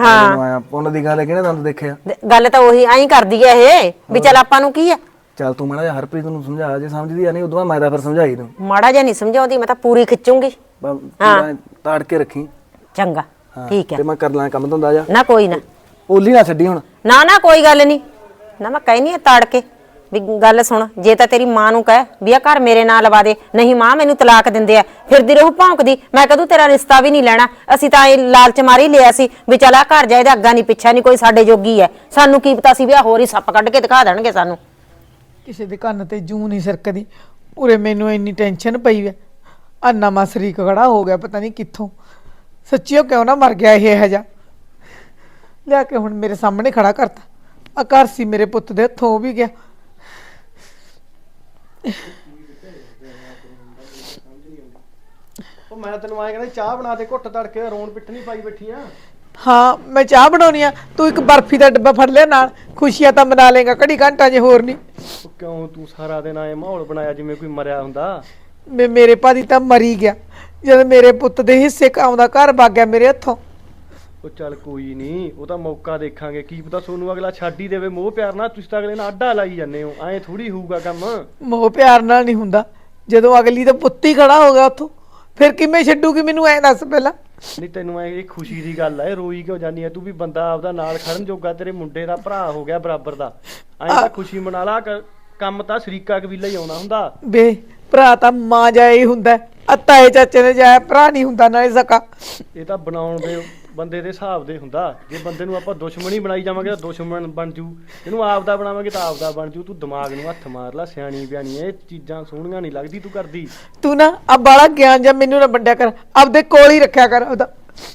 Speaker 3: ਹਾਂ
Speaker 6: ਉਹਨਾਂ ਦੀ ਗੱਲ ਕਿਹਨੇ ਤੁਹਾਨੂੰ ਦੇਖਿਆ।
Speaker 3: ਗੱਲ ਤਾਂ ਉਹੀ ਐਂ ਕਰਦੀ ਐ ਇਹ ਵੀ ਚੱਲ ਆਪਾਂ ਨੂੰ ਕੀ ਐ।
Speaker 6: ਚੱਲ ਤੂੰ ਮਾੜਾ ਜਿਹਾ ਹਰਪ੍ਰੀਤ ਨੂੰ ਸਮਝਾ, ਜੇ ਸਮਝਦੀ ਆ ਨਹੀਂ ਉਦੋਂ ਮੈਂ ਤਾਂ ਫਿਰ ਸਮਝਾਈ ਦੂੰ।
Speaker 3: ਮਾੜਾ ਜਿਹਾ ਨਹੀਂ ਸਮਝਾਉਂਦੀ, ਮੈਂ ਤਾਂ ਪੂਰੀ ਖਿੱਚੂੰਗੀ।
Speaker 6: ਪੂਰਾ ਤਾੜ ਕੇ ਰੱਖੀ।
Speaker 3: ਚੰਗਾ ਠੀਕ ਐ,
Speaker 6: ਤੇ ਮੈਂ ਕਰ ਲਾਂ ਕੰਮ ਧੰਦਾ ਜਾ।
Speaker 3: ਨਾ ਕੋਈ ਨਾ,
Speaker 6: ਓਲੀ ਨਾ ਛੱਡੀ ਹੁਣ।
Speaker 3: ਨਾ ਨਾ ਕੋਈ ਗੱਲ ਨਹੀਂ, ਨਾ ਮੈਂ ਕਹਿਨੀ ਆ ਤਾੜ ਕੇ ਵੀ ਗੱਲ ਸੁਣ, ਜੇ ਤਾਂ ਤੇਰੀ ਮਾਂ ਨੂੰ ਕਹਿ ਵੀ ਆ ਘਰ ਮੇਰੇ ਨਾਲ ਲਵਾ ਦੇ, ਨਹੀਂ ਮਾਂ ਮੈਨੂੰ ਤਲਾਕ ਦਿੰਦੇ ਆ, ਫਿਰਦੀ ਰਹੂ ਭੌਂਕਦੀ। ਮੈਂ ਕਦੋਂ ਤੇਰਾ ਰਿਸ਼ਤਾ ਵੀ ਨਹੀਂ ਲੈਣਾ, ਅਸੀਂ ਤਾਂ ਇਹ ਲਾਲਚ ਮਾਰੀ ਲਿਆ ਸੀ ਵੀ ਚੱਲ ਆ ਘਰ ਜਾ, ਇਹਦਾ ਅੱਗਾ ਨਹੀਂ ਪਿੱਛਾ ਨਹੀਂ, ਕੋਈ ਸਾਡੇ ਜੋਗੀ ਐ। ਸਾਨੂੰ ਕੀ ਪਤਾ ਸੀ ਵੀ ਆ ਹੋਰ ਹੀ ਸੱਪ ਕੱਢ ਕੇ ਦਿਖਾ ਦੇਣਗੇ ਸਾਨੂੰ।
Speaker 4: ਕਿਸੇ ਦੇ ਕੰਨ ਤੇ ਜੂੰ ਨਹੀਂ ਸਰਕਦੀ। ਉਰੇ ਮੈਨੂੰ ਇੰਨੀ ਟੈਨਸ਼ਨ ਪਈ ਐ, ਆ ਨਵਾਂ ਸ਼ਰੀਕ ਖੜਾ ਹੋ ਗਿਆ ਪਤਾ ਨਹੀਂ ਕਿੱਥੋਂ। ਸੱਚੀਓ ਕਿਉਂ ਨਾ ਮਰ ਗਿਆ ਇਹ ਹਜਾ, ਲਿਆ ਕੇ ਹੁਣ ਮੇਰੇ ਸਾਹਮਣੇ ਖੜਾ ਕਰਤਾ। ਆ ਘਰ ਸੀ ਮੇਰੇ ਪੁੱਤ ਦੇ ਹੱਥੋਂ ਹੋ ਵੀ ਗਿਆ।
Speaker 7: ਉਹ ਮੈਂ ਤੈਨੂੰ ਆਏ ਕਹਿੰਦਾ ਚਾਹ ਬਣਾ ਦੇ, ਘੁੱਟ ਤੜਕੇ ਰੋਣ ਪਿੱਟ ਨਹੀਂ ਪਾਈ ਬੈਠੀ ਆ।
Speaker 4: ਹਾਂ ਮੈਂ ਚਾਹ ਬਣਾਉਣੀ ਆ, ਤੂੰ ਇੱਕ ਬਰਫੀ ਦਾ ਡੱਬਾ ਫੜ ਲਿਆ ਨਾਲ, ਖੁਸ਼ੀਆਂ ਤਾਂ ਮਨਾ ਲੇਗਾ ਘੜੀ ਘੰਟਾ ਜੇ ਹੋਰ ਨਹੀਂ।
Speaker 7: ਉਹ ਕਿਉਂ ਤੂੰ ਸਾਰਾ ਦਿਨ ਆਏ ਮਾਹੌਲ ਬਣਾਇਆ ਜਿਵੇਂ ਕੋਈ ਮਰਿਆ ਹੁੰਦਾ।
Speaker 4: ਮੇ ਮੇਰੇ ਭਾਦੀ ਤਾਂ ਮਰੀ ਗਿਆ ਜਦ ਮੇਰੇ ਪੁੱਤ ਦੇ ਹਿੱਸੇ ਆਉਂਦਾ ਘਰ ਵਗ ਗਿਆ ਮੇਰੇ ਹੱਥੋਂ।
Speaker 7: ਉਹ ਚੱਲ ਕੋਈ ਨਹੀਂ, ਉਹ ਤਾਂ ਮੌਕਾ ਦੇਖਾਂਗੇ, ਕੀ ਪਤਾ ਸੋਨੂੰ ਅਗਲਾ ਛੱਡ ਹੀ ਦੇਵੇ ਮੋਹ ਪਿਆਰ ਨਾਲ। ਤੁਸੀਂ ਤਾਂ ਅਗਲੇ ਨਾਲ ਆਡਾ ਲਾਈ ਜਾਂਦੇ ਹੋ, ਐਂ ਥੋੜੀ ਹੋਊਗਾ ਕੰਮ।
Speaker 4: ਮੋਹ ਪਿਆਰ ਨਾਲ ਨਹੀਂ ਹੁੰਦਾ, ਜਦੋਂ ਅਗਲੀ ਦਾ ਪੁੱਤ ਹੀ ਖੜਾ ਹੋ ਗਿਆ ਉੱਥੋਂ, ਫਿਰ ਕਿਵੇਂ ਛੱਡੂਗੀ ਮੈਨੂੰ ਐਂ ਦੱਸ ਪਹਿਲਾਂ।
Speaker 7: ਨਹੀਂ ਤੈਨੂੰ ਐ ਇਹ ਖੁਸ਼ੀ ਦੀ ਗੱਲ ਐ, ਰੋਈ ਕਿਉਂ ਜਾਨੀ ਐ ਤੂੰ ਵੀ? ਬੰਦਾ ਆਪਦਾ ਨਾਲ ਖੜਨ ਜੋਗਾ ਤੇਰੇ ਮੁੰਡੇ ਦਾ ਭਰਾ ਹੋ ਗਿਆ ਬਰਾਬਰ ਦਾ, ਐਂ ਤਾਂ ਖੁਸ਼ੀ ਮਨਾ ਲਾ। ਕੰਮ ਤਾਂ ਸ਼ਰੀਕਾ ਕਬੀਲਾ ਹੀ ਆਉਣਾ ਹੁੰਦਾ।
Speaker 4: ਬੇ ਭਰਾ ਤਾਂ ਮਾਂ ਜਾਇਆ ਹੀ ਹੁੰਦਾ, ਆ ਤਾਏ ਚਾਚੇ ਨੇ ਜਾਇਆ ਭਰਾ ਨਹੀਂ ਹੁੰਦਾ ਨਾਲੇ ਸਕਾ।
Speaker 7: ਇਹ ਤਾਂ ਬਣਾਉਣ ਦੇ ਬੰਦੇ ਦੇ ਹਿਸਾਬ ਦੇ ਹੁੰਦਾ। ਜੇ ਬੰਦੇ ਨੂੰ ਆਪਾਂ ਦੁਸ਼ਮਣੀ ਬਣਾਈ ਜਾਵਾਂਗੇ ਤਾਂ ਦੁਸ਼ਮਣ ਬਣ ਜੂ, ਇਹਨੂੰ ਆਪਦਾ ਬਣਾਵਾਂਗੇ ਤਾਂ ਆਪਦਾ ਬਣ ਜੂ। ਤੂੰ ਦਿਮਾਗ ਨੂੰ ਹੱਥ ਮਾਰ ਲੈ, ਸਿਆਣੀ ਬਿਆਣੀ ਇਹ ਚੀਜ਼ਾਂ ਸੋਹਣੀਆਂ ਨਹੀਂ ਲੱਗਦੀ ਤੂੰ ਕਰਦੀ।
Speaker 4: ਤੂੰ ਨਾ ਆ ਬਾਲਾ ਗਿਆਨ ਜਾਂ ਮੈਨੂੰ ਨਾ ਵੰਡਿਆ ਕਰ, ਆਪਦੇ ਕੋਲ ਹੀ ਰੱਖਿਆ ਕਰ ਉਹਦਾ।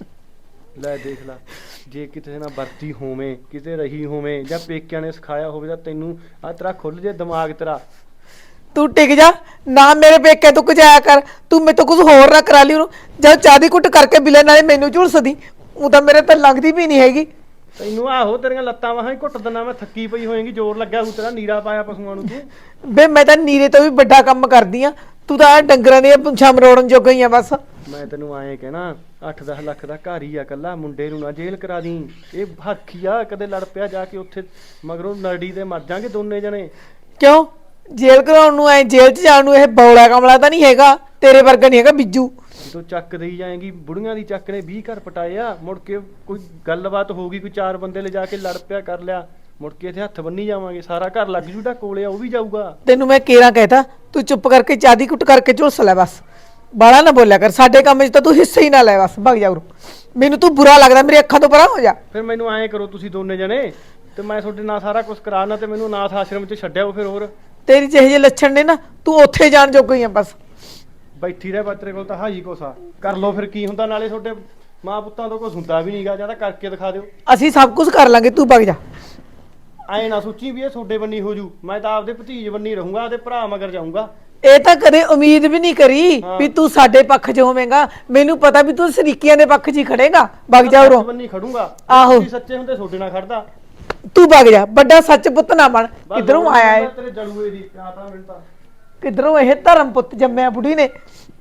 Speaker 7: ਲੈ ਦੇਖ ਲੈ, ਜੇ ਕਿਤੇ ਨਾਲ ਵਰਤੀ ਹੋਵੇਂ, ਕਿਤੇ ਰਹੀ ਹੋਵੇਂ, ਜਾਂ ਪੇਕਿਆਂ ਨੇ ਸਿਖਾਇਆ ਹੋਵੇ ਤਾਂ ਤੈਨੂੰ ਆ ਤੇਰਾ ਖੁੱਲ ਜੇ ਦਿਮਾਗ ਤੇਰਾ।
Speaker 4: ਤੂੰ ਟਿਕ ਜਾ ਨਾ, ਮੇਰੇ ਪੇਕੇ ਤੂੰ ਕੁਝਾਇਆ ਕਰ, ਤੂੰ ਮੇਰੇ ਤੋਂ ਕੁਝ ਹੋਰ ਨਾ ਕਰਾ ਲਈ ਉਹਨੂੰ। ਜਦ ਚਾਹ ਦੀ ਕੁੱਟ ਕਰਕੇ ਬਿਲੇ ਨਾਲੇ ਮੈਨੂੰ ਝੁਲਸਦੀ, ਉਹ ਤਾਂ ਮੇਰੇ ਤਾਂ ਲੰਘਦੀ ਵੀ ਨਹੀਂ ਹੈਗੀ।
Speaker 7: ਤੈਨੂੰ ਆਹੋ ਤੇਰੀਆਂ ਲੱਤਾਂ ਵਾਹਾਂ ਹੀ ਘੁੱਟ ਦਿੰਦਾ ਮੈਂ, ਥੱਕੀ ਪਈ ਹੋਏਗੀ, ਜ਼ੋਰ ਲੱਗਿਆ ਹੋਊ ਤੇਰਾ, ਨੀਰਾ ਪਾਇਆ ਪਸ਼ੂਆਂ ਨੂੰ ਤੂੰ।
Speaker 4: ਬੇ ਮੈਂ ਤਾਂ ਨੀਰੇ ਤੋਂ ਵੀ ਵੱਡਾ ਕੰਮ ਕਰਦੀ ਆ, ਤੂੰ ਤਾਂ ਆਹ ਡੰਗਰਾਂ ਦੀਆਂ ਪੁੰਛਾਂ ਮਰੋੜਨ ਜੋਗਾ ਹੀ ਆ ਬਸ।
Speaker 7: ਮੈਂ ਤੈਨੂੰ ਆਏ ਕਹਿਣਾ, ਅੱਠ ਦਸ ਲੱਖ ਦਾ ਘਰ ਹੀ ਆ ਕੱਲਾ, ਮੁੰਡੇ ਨੂੰ ਨਾ ਜੇਲ੍ਹ ਕਰਾ ਦੀ। ਇਹ ਹੱਖੀ ਆ, ਕਦੇ ਲੜ ਪਿਆ ਜਾ ਕੇ ਉੱਥੇ ਮਗਰੋਂ ਨਰੜੀ ਤੇ ਮਰ ਜਾਾਂਗੇ ਦੋਨੇ ਜਣੇ।
Speaker 4: ਕਿਉਂ ਜੇਲ੍ਹ ਕਰਾਉਣ ਨੂੰ ਐ, ਜੇਲ੍ਹ 'ਚ ਜਾਣ ਨੂੰ ਇਹ ਬੌਲਾ ਕਮਲਾ ਤਾਂ ਨਹੀਂ ਹੈਗਾ, ਤੇਰੇ ਵਰਗਾ ਨਹੀਂ ਹੈਗਾ ਬਿੱਜੂ।
Speaker 7: ਜਦੋਂ ਚੱਕ ਦੇਈ ਜਾਏਗੀ, ਬੁੜੀਆਂ ਦੀ ਚੱਕ ਨੇ ਵੀਹ ਘਰ ਪਟਾਏ ਆ, ਮੁੜ ਕੇ ਕੋਈ ਗੱਲਬਾਤ ਹੋ ਗਈ, ਕੋਈ ਚਾਰ ਬੰਦੇ ਲਿਜਾ ਕੇ ਲੜ ਪਿਆ ਕਰ ਲਿਆ, ਮੁੜ ਕੇ ਇੱਥੇ ਹੱਥ ਬੰਨੀ ਜਾਵਾਂਗੇ, ਸਾਰਾ ਘਰ ਲੱਗ ਜੂ ਜਿਹੜਾ ਕੋਲੇ ਆ ਉਹ ਵੀ ਜਾਊਗਾ।
Speaker 4: ਤੈਨੂੰ ਮੈਂ ਕੇਰਾ ਕਹਿਤਾ, ਤੂੰ ਚੁੱਪ ਕਰਕੇ ਚਾਹ ਦੀ ਕੁੱਟ ਕਰਕੇ ਝੁਲਸ ਲੈ ਬਸ, ਬਾਲਾ ਨਾ ਬੋਲਿਆ ਕਰ। ਸਾਡੇ ਕੰਮ 'ਚ ਤਾਂ ਤੂੰ ਹਿੱਸਾ ਹੀ ਨਾ ਲੈ ਬਸ, ਭੱਗ ਜਾ ਉਰੋਂ, ਮੈਨੂੰ ਤੂੰ ਬੁਰਾ ਲੱਗਦਾ, ਮੇਰੀ ਅੱਖਾਂ ਤੋਂ ਪਰਾਂ ਹੋ ਜਾ।
Speaker 7: ਫਿਰ ਮੈਨੂੰ ਐਂ ਕਰੋ ਤੁਸੀਂ ਦੋਨੇ ਜਣੇ, ਤੇ ਮੈਂ ਤੁਹਾਡੇ ਨਾਲ ਸਾਰਾ ਕੁਝ ਕਰਾਣਾ, ਤੇ ਮੈਨੂੰ ਅਨਾਥ ਆਸ਼ਰਮ 'ਚ ਛੱਡਿਆਓ ਫਿਰ। ਹੋਰ
Speaker 4: ਤੇਰੀ ਜਿਹੇ ਜਿਹੇ ਲੱਛਣ ਨੇ ਨਾ ਤੂੰ ਉੱਥੇ ਜਾਣ ਜੋਗਾ ਹੀ ਆ ਬਸ।
Speaker 7: ਬੈਠੀ ਰਹਿ ਬੱਤਰੇ ਕੋਲ ਤਾਂ ਹਾਈ ਕੋਸਾ ਕਰ ਲੋ ਫਿਰ ਕੀ ਹੁੰਦਾ, ਨਾਲੇ ਤੁਹਾਡੇ ਮਾਂ ਪੁੱਤਾਂ ਤੋਂ ਕੁਝ ਹੁੰਦਾ ਵੀ ਨਹੀਂਗਾ, ਜਾਂ ਤਾਂ ਕਰਕੇ ਦਿਖਾ ਦਿਓ।
Speaker 4: ਅਸੀਂ ਸਭ ਕੁਝ ਕਰ ਲਾਂਗੇ, ਤੂੰ ਵਗ ਜਾ।
Speaker 7: ਐ ਨਾ ਸੋਚੀ ਵੀ ਇਹ ਤੁਹਾਡੇ ਬੰਨੀ ਹੋ ਜੂ, ਮੈਂ ਤਾਂ ਆਪਦੇ ਭਤੀਜ ਬੰਨੀ ਰਹੂੰਗਾ, ਤੇ ਭਰਾ ਮਗਰ ਜਾਊਂਗਾ।
Speaker 4: ਇਹ ਤਾਂ ਕਦੇ ਉਮੀਦ ਵੀ ਨਹੀਂ ਕਰੀ ਵੀ ਤੂੰ ਸਾਡੇ ਪੱਖ 'ਚ ਹੋਵੇਂਗਾ। ਮੈਨੂੰ ਪਤਾ ਵੀ ਤੂੰ ਸਰੀਕੀਆਂ ਦੇ ਪੱਖ 'ਚ ਹੀ ਖੜੇਗਾ। ਵਗ ਜਾ ਉਰੋਂ।
Speaker 7: ਬੰਨੀ ਖੜੂੰਗਾ।
Speaker 4: ਆਹੋ।
Speaker 7: ਤੁਸੀਂ ਸੱਚੇ ਹੁੰਦੇ ਤੁਹਾਡੇ ਨਾਲ ਖੜਦਾ।
Speaker 4: ਤੂੰ ਵਗ ਜਾ, ਵੱਡਾ ਸੱਚ ਪੁੱਤ ਨਾ ਬਣ। ਕਿੱਧਰੋਂ ਆਇਆ ਏ,
Speaker 7: ਤੇਰੇ ਜਲੂਏ ਦੀ ਤਾਂ ਮੈਨੂੰ ਤਾਂ
Speaker 4: ਕਿੱਧਰੋਂ ਇਹ ਧਰਮ ਪੁੱਤ ਜੰਮਿਆ ਬੁੜੀ ਨੇ।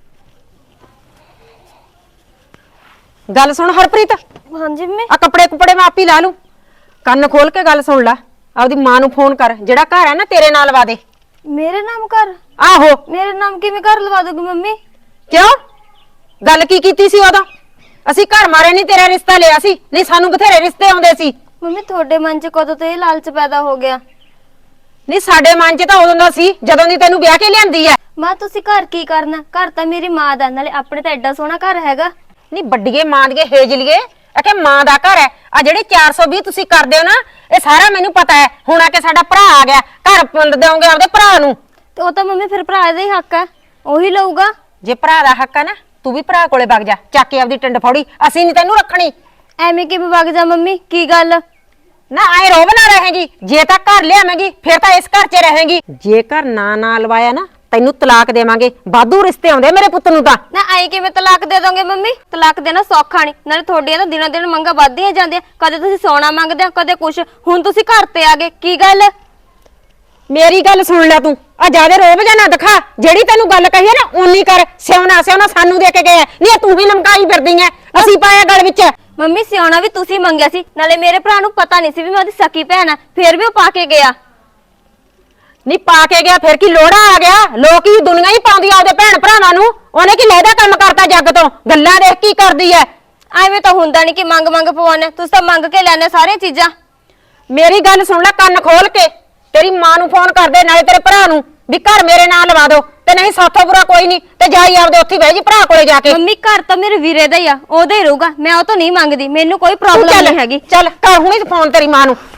Speaker 3: ਗੱਲ ਸੁਣ ਹਰਪ੍ਰੀਤ,
Speaker 1: ਹਾਂਜੀ ਮੰਮੀ।
Speaker 3: ਆ ਕੱਪੜੇ ਕੁਪੜੇ ਮੈਂ ਆਪ ਹੀ ਲਾ ਲੂੰ। ਕੰਨ ਖੋਲ ਕੇ ਗੱਲ ਸੁਣ ਲੈ। ਆਪਦੀ ਮਾਂ ਨੂੰ ਫੋਨ ਕਰ, ਜਿਹੜਾ ਘਰ ਹੈ ਨਾ ਤੇਰੇ ਨਾਲ ਲਵਾ ਦੇ।
Speaker 1: ਮੇਰੇ ਨਾਮ ਘਰ?
Speaker 3: ਆਹੋ।
Speaker 1: ਮੇਰੇ ਨਾਮ ਕਿਵੇਂ ਘਰ ਲਵਾ ਦੋਗੇ ਮੰਮੀ?
Speaker 3: ਕਿਉਂ? ਗੱਲ ਕੀ ਕੀਤੀ ਸੀ ਉਦੋਂ? ਅਸੀਂ ਘਰ ਮਾਰੇ ਨਹੀਂ, ਤੇਰਾ ਰਿਸ਼ਤਾ ਲਿਆ ਸੀ। ਨਹੀਂ ਸਾਨੂੰ ਬਥੇਰੇ ਰਿਸ਼ਤੇ ਆਉਂਦੇ ਸੀ।
Speaker 1: ਮੰਮੀ ਤੁਹਾਡੇ ਮਨ 'ਚ ਕਦੋਂ ਤੋਂ ਇਹ ਲਾਲਚ ਪੈਦਾ ਹੋ ਗਿਆ?
Speaker 3: ਨਹੀਂ ਸਾਡੇ ਮਨ 'ਚ ਤਾਂ ਉਦੋਂ ਦਾ ਸੀ ਜਦੋਂ ਦੀ ਤੈਨੂੰ ਵਿਆਹ ਕੇ ਲਿਆਂਦੀ ਐ।
Speaker 1: ਮਾਂ ਤੁਸੀਂ ਘਰ ਕੀ ਕਰਨਾ? ਘਰ ਤਾਂ ਮੇਰੀ ਮਾਂ ਦਾ, ਨਾਲੇ ਆਪਣੇ ਤਾਂ ਐਡਾ ਸੋਹਣਾ ਘਰ ਹੈਗਾ।
Speaker 3: ਨਹੀਂ ਵੱਡੀਏ ਮਾਂ ਦੀਏ ਹੇਜਲੀਏ, ਅਕੇ ਮਾਂ ਦਾ ਘਰ ਹੈ। ਆ ਜਿਹੜੇ ਚਾਰ ਸੌ ਵੀਹ ਤੁਸੀਂ ਕਰਦੇ ਹੋ ਨਾ, ਇਹ ਸਾਰਾ ਮੈਨੂੰ ਪਤਾ ਹੈ। ਹੁਣ ਆ ਕੇ ਸਾਡਾ ਭਰਾ ਆ ਗਿਆ, ਘਰ ਪਿੰਡ ਦੇਵੋਗੇ ਆਪਦੇ ਭਰਾ ਨੂੰ।
Speaker 1: ਤੇ ਉਹ ਤਾਂ ਮੰਮੀ ਫਿਰ ਭਰਾ ਦਾ ਹੀ ਹੱਕ ਹੈ, ਉਹੀ ਲਊਗਾ।
Speaker 3: ਜੇ ਭਰਾ ਦਾ ਹੱਕ ਹੈ ਨਾ, ਤੂੰ ਵੀ ਭਰਾ ਕੋਲੇ ਵਗ ਜਾ, ਚੱਕ ਕੇ ਆਪਦੀ ਟਿੰਡ ਫੌੜੀ। ਅਸੀਂ ਨਹੀਂ ਤੈਨੂੰ ਰੱਖਣੀ।
Speaker 1: ਐਵੇਂ ਕਿਵੇਂ ਵਗ ਜਾ ਮੰਮੀ? ਕੀ ਗੱਲ?
Speaker 3: ਨਾ ਆਏ ਰੋਬ ਨਾ ਰਹੇਗੀ। ਜੇ ਤਾਂ ਘਰ ਲਿਆਵੇਂਗੀ ਫਿਰ ਤਾਂ ਇਸ ਘਰ 'ਚ ਰਹੇਗੀ। ਜੇ ਘਰ ਨਾ ਨਾ ਲਵਾਇਆ ਨਾ, ਤੈਨੂੰ ਤਲਾਕ ਦੇਵਾਂਗੇ। ਵਾਧੂ ਰਿਸ਼ਤੇ ਆਉਂਦੇ ਮੇਰੇ ਪੁੱਤ ਨੂੰ ਤਾਂ।
Speaker 1: ਨਾ ਐਂ ਕਿਵੇਂ ਤਲਾਕ ਦੇ ਦੋਗੇ ਮੰਮੀ? ਤਲਾਕ ਦੇਣਾ ਸੌਖਾ ਨਹੀਂ, ਨਾਲੇ ਤੁਹਾਡੀਆਂ ਤਾਂ ਦਿਨੋਂ ਦਿਨ ਮੰਗਾਂ ਵੱਧਦੀਆਂ ਜਾਂਦੀਆਂ। ਕਦੇ ਤੁਸੀਂ ਸੋਨਾ ਮੰਗਦੇ ਹੋ, ਕਦੇ ਕੁਛ। ਹੁਣ ਤੁਸੀਂ ਘਰ ਤੇ ਆ ਗਏ, ਕੀ ਗੱਲ?
Speaker 3: ਮੇਰੀ ਗੱਲ ਸੁਣ ਲੈ ਤੂੰ। ਆ ਜਿਆਦੇ ਰੋਬ ਜਾਂ ਨਾ ਦਿਖਾ। ਜਿਹੜੀ ਤੈਨੂੰ ਗੱਲ ਕਹੀ ਹੈ ਨਾ ਓਨੀ ਕਰ। ਸਿਉਣਾ ਸਿਉਣਾ ਸਾਨੂੰ ਦੇ ਕੇ ਗਏ, ਨਹੀਂ ਤੂੰ ਹੀ ਲਮਕਾਈ ਫਿਰਦੀ ਐ। ਅਸੀਂ ਪਾਇਆ ਗਲ ਵਿੱਚ।
Speaker 1: ਮੰਮੀ ਸਿਆਉਣਾ ਵੀ ਤੁਸੀਂ ਮੰਗਿਆ ਸੀ, ਨਾਲੇ ਮੇਰੇ ਭਰਾ ਨੂੰ ਪਤਾ ਨਹੀਂ ਸੀ ਵੀ ਮੈਂ ਉਹਦੀ ਸਕੀ ਭੈਣ ਆ, ਫਿਰ ਵੀ ਉਹ ਪਾ ਕੇ ਗਿਆ।
Speaker 3: ਨਹੀਂ ਪਾ ਕੇ ਗਿਆ ਫਿਰ ਕੀ ਲੋੜਾ ਆ ਗਿਆ? ਲੋਕ ਹੀ ਦੁਨੀਆ ਹੀ ਪਾਉਂਦੀ ਆ ਉਹਦੇ ਭੈਣ ਭਰਾਵਾਂ ਨੂੰ। ਉਹਨੇ ਕੀ ਲਹਿਦਾ ਕੰਮ ਕਰਤਾ ਜੱਗ ਤੋਂ? ਗੱਲਾਂ ਦੇਖ ਕੀ ਕਰਦੀ ਐ।
Speaker 1: ਐਵੇਂ ਤਾਂ ਹੁੰਦਾ ਨਹੀਂ ਕਿ ਮੰਗ ਮੰਗ ਪਵਾਉਣੇ, ਤੁਸੀਂ ਤਾਂ ਮੰਗ ਕੇ ਲੈਣੇ ਸਾਰੀਆਂ ਚੀਜ਼ਾਂ।
Speaker 3: ਮੇਰੀ ਗੱਲ ਸੁਣ ਲੈ ਕੰਨ ਖੋਲ ਕੇ। ਤੇਰੀ ਮਾਂ ਨੂੰ ਫੋਨ ਕਰ ਦੇ, ਨਾਲੇ ਤੇਰੇ ਭਰਾ ਨੂੰ, ਵੀ ਘਰ ਮੇਰੇ ਨਾਲ ਲਵਾ ਦੋ। ਤੇ ਨਹੀਂ ਸਾਥੋਂ ਬੁਰਾ ਕੋਈ ਨਹੀਂ, ਤੇ ਜਾਈ ਆਪਦੇ ਉੱਥੇ ਬਹਿ ਜੀ ਭਰਾ ਕੋਲੇ ਜਾ ਕੇ।
Speaker 1: ਮੰਮੀ ਘਰ ਤਾਂ ਮੇਰੇ ਵੀਰੇ ਦਾ ਹੀ ਆ, ਉਹਦਾ ਹੀ ਰਹੂਗਾ। ਮੈਂ ਉਹ ਤੋਂ ਨਹੀਂ ਮੰਗਦੀ, ਮੈਨੂੰ ਕੋਈ ਪ੍ਰੋਬਲਮ ਨਹੀਂ ਹੈਗੀ।
Speaker 3: ਚੱਲ ਕਰ ਹੁਣੀ ਫੋਨ ਤੇਰੀ ਮਾਂ ਨੂੰ।